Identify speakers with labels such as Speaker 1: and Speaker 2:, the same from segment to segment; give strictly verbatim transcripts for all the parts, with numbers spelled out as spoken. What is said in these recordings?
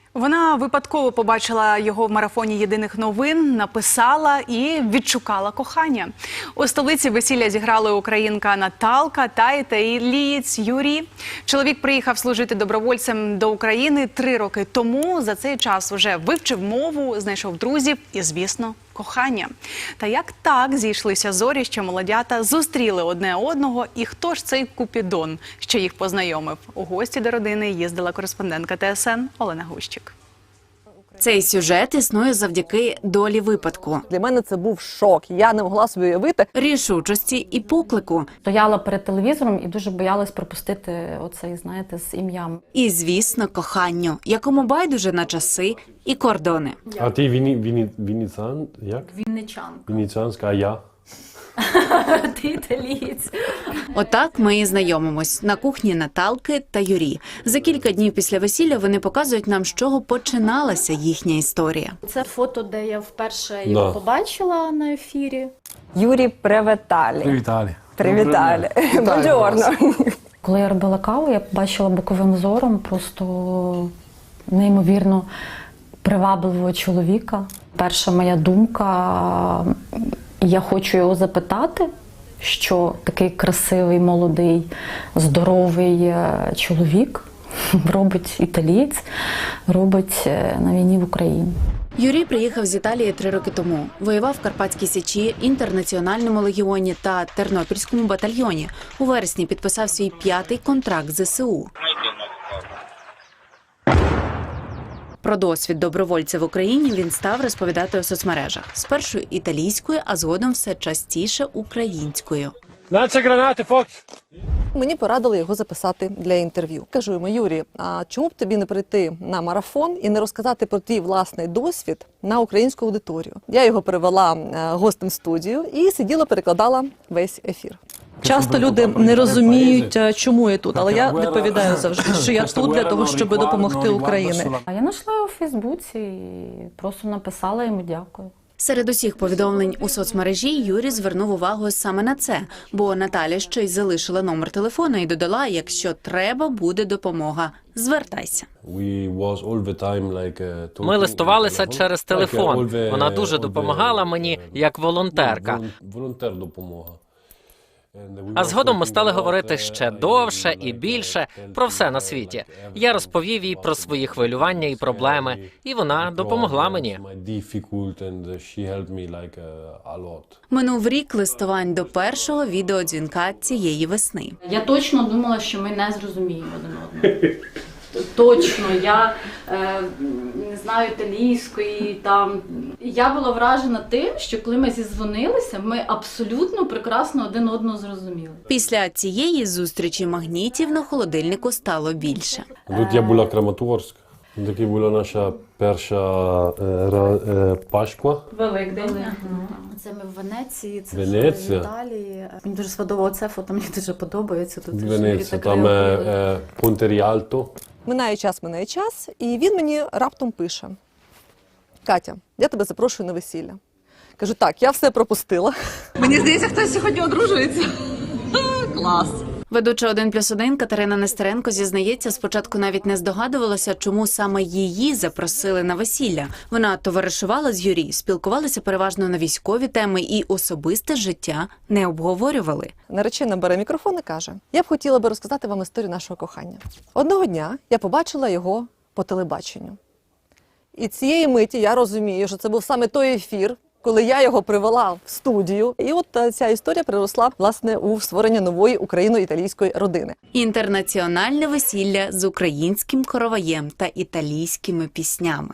Speaker 1: Вона випадково побачила його в марафоні єдиних новин, написала і відшукала кохання. У столиці весілля зіграли українка Наталка та італієць Юрій. Чоловік приїхав служити добровольцем до України три роки тому. За цей час вже вивчив мову, знайшов друзів і, звісно, кохання. Та як так зійшлися зорі, що молодята зустріли одне одного, і хто ж цей Купідон, що їх познайомив? У гості до родини їздила кореспондентка Т С Н Олена Гущик.
Speaker 2: Цей сюжет існує завдяки долі випадку.
Speaker 3: Для мене це був шок. Я не могла собі уявити.
Speaker 2: Рішучості і поклику.
Speaker 4: Стояла перед телевізором і дуже боялась пропустити оцей, знаєте, з ім'ям.
Speaker 2: І, звісно, коханню, якому байдуже на часи і кордони.
Speaker 5: А ти віні, віні, вініцан, як?
Speaker 4: Вінничанка.
Speaker 5: Вініцанська, а я?
Speaker 4: Ти італієць.
Speaker 2: Отак ми і знайомимось на кухні Наталки та Юрі. За кілька днів після весілля вони показують нам, з чого починалася їхня історія.
Speaker 4: Це фото, де я вперше його
Speaker 5: Да.
Speaker 4: побачила на ефірі.
Speaker 3: Юрій, привіталі.
Speaker 6: Привіталі.
Speaker 3: Привіталі. Бонджорно.
Speaker 4: Коли я робила каву, я побачила боковим зором просто неймовірно привабливого чоловіка. Перша моя думка – я хочу його запитати, що такий красивий, молодий, здоровий е, чоловік робить італієць, робить е, на війні в Україні.
Speaker 2: Юрій приїхав з Італії три роки тому. Воював в Карпатській Січі, Інтернаціональному легіоні та Тернопільському батальйоні. У вересні підписав свій п'ятий контракт з З С У. Про досвід добровольця в Україні він став розповідати у соцмережах. Спершу італійською, а згодом все частіше українською.
Speaker 5: Наче гранати, Фокс!
Speaker 3: Мені порадили його записати для інтерв'ю. Кажу йому: Юрій, а чому б тобі не прийти на марафон і не розказати про твій власний досвід на українську аудиторію? Я його привела гостем в студію і сиділа, перекладала весь ефір. Часто люди не розуміють, чому я тут, але я відповідаю завжди, що я тут для того, щоб допомогти Україні.
Speaker 4: А я знайшла його у Фейсбуці і просто написала йому дякую.
Speaker 2: Серед усіх повідомлень у соцмережі Юрій звернув увагу саме на це, бо Наталя ще й залишила номер телефону і додала: якщо треба буде допомога, звертайся.
Speaker 7: Ми листувалися через телефон. Вона дуже допомагала мені як волонтерка.
Speaker 5: Волонтер допомога.
Speaker 7: А згодом ми стали говорити ще довше і більше про все на світі. Я розповів їй про свої хвилювання і проблеми, і вона допомогла мені.
Speaker 2: Минув рік листувань до першого відеодзвінка цієї весни.
Speaker 4: Я точно думала, що ми не зрозуміємо один одного. Точно, я е, не знаю італійської, там. Я була вражена тим, що коли ми зізвонилися, ми абсолютно прекрасно один одного зрозуміли.
Speaker 2: Після цієї зустрічі магнітів на холодильнику стало більше.
Speaker 5: Тут я була Краматорськ. Такі була наша перша е, Пашква.
Speaker 4: Великдень. Це ми в Венеції, це
Speaker 5: Венеція.
Speaker 4: в Італії. Мені дуже сподобалося це фото, мені дуже подобається. Тут
Speaker 5: Венеція, там е, е, Понте Ріальто.
Speaker 3: Минає час, минає час, і він мені раптом пише: Катя, я тебе запрошую на весілля. Кажу: так, я все пропустила. Мені здається, хтось сьогодні одружується. Клас.
Speaker 2: Ведуча один плюс один Катерина Нестеренко зізнається, спочатку навіть не здогадувалася, чому саме її запросили на весілля. Вона товаришувала з Юрій, спілкувалися переважно на військові теми і особисте життя не обговорювали.
Speaker 3: Наречена бере мікрофон і каже: я б хотіла би розказати вам історію нашого кохання. Одного дня я побачила його по телебаченню. І цієї миті я розумію, що це був саме той ефір, коли я його привела в студію. І от ця історія приросла, власне, у створення нової україно-італійської родини.
Speaker 2: Інтернаціональне весілля з українським короваєм та італійськими піснями.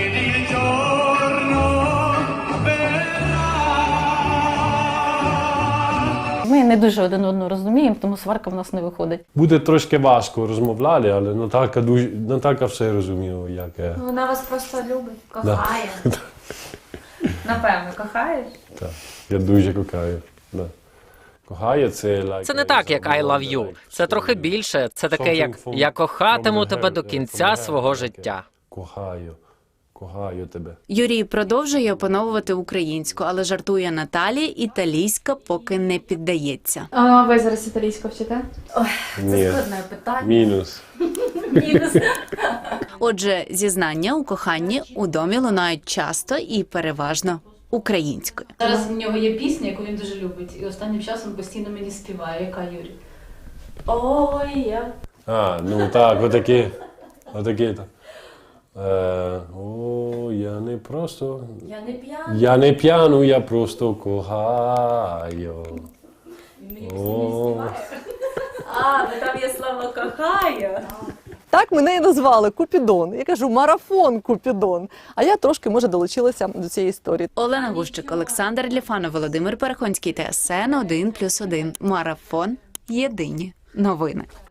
Speaker 4: Ми не дуже один одного розуміємо, тому сварка в нас не виходить.
Speaker 5: Буде трошки важко розмовляти, але Наталка, дуже, Наталка все розуміла, як є.
Speaker 8: Вона вас просто любить, кохає. Напевно, кохаєш?
Speaker 5: Так, я дуже кохаю. Да. Кохає це... Like,
Speaker 7: Це не так, як I love you. Це трохи більше. Це таке, як «я кохатиму тебе до кінця свого життя».
Speaker 5: Кохаю. Кохаю тебе.
Speaker 2: Юрій продовжує опановувати українську, але жартує Наталі, італійська поки не піддається.
Speaker 8: А ви зараз італійську вчите? Ой,
Speaker 5: Ні.
Speaker 8: це складне питання.
Speaker 5: Мінус.
Speaker 8: Мінус.
Speaker 2: Отже, зізнання у коханні у домі лунають часто і переважно українською.
Speaker 6: Зараз в нього є пісня, яку він дуже любить, і останнім часом постійно мені співає. Яка, Юрій? Ой, я.
Speaker 5: А, ну так, отакі. Отакі. Е, о, я не просто...
Speaker 6: Я не п'яна.
Speaker 5: Я не п'яну, я просто кохаю.
Speaker 6: Він мені постійно співає. А, ну там є слово кохаю.
Speaker 3: Так мене і назвали Купідон. Я кажу, марафон Купідон. А я трошки, може, долучилася до цієї історії.
Speaker 2: Олена Гущик, Олександр Ліфанов, Володимир Перехонський, Т С Н один плюс один. Марафон. Єдині новини.